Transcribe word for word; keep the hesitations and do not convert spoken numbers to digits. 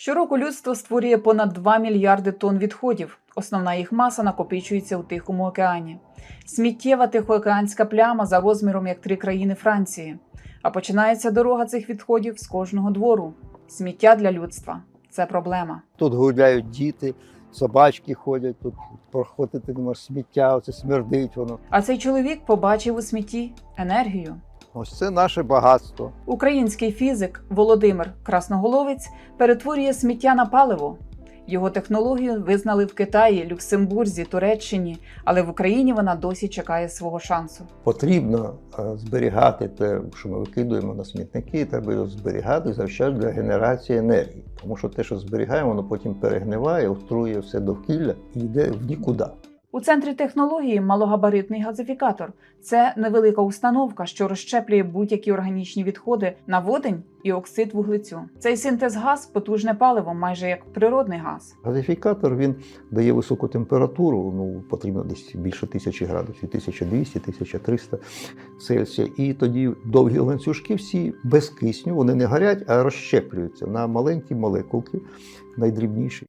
Щороку людство створює понад два мільярди тонн відходів. Основна їх маса накопичується у Тихому океані. Сміттєва тихоокеанська пляма за розміром як три країни Франції. А починається дорога цих відходів з кожного двору. Сміття для людства – це проблема. Тут гуляють діти, собачки ходять, тут проходити не можеш сміття, оце смердить воно. А цей чоловік побачив у смітті енергію. Ось це наше багатство. Український фізик Володимир Красноголовець перетворює сміття на паливо. Його технологію визнали в Китаї, Люксембурзі, Туреччині, але в Україні вона досі чекає свого шансу. Потрібно е, зберігати те, що ми викидуємо на смітники, треба його зберігати завчасно для генерації енергії. Тому що те, що зберігаємо, воно потім перегниває, отруює все довкілля і йде в нікуди. У центрі технології малогабаритний газифікатор. Це невелика установка, що розщеплює будь-які органічні відходи на водень і оксид вуглецю. Цей синтез-газ – потужне паливо, майже як природний газ. Газифікатор, він дає високу температуру, ну, потрібно десь більше тисячі градусів, тисяча двісті - тисяча триста Цельсія. І тоді довгі ланцюжки всі без кисню, вони не горять, а розщеплюються на маленькі молекулки, найдрібніші.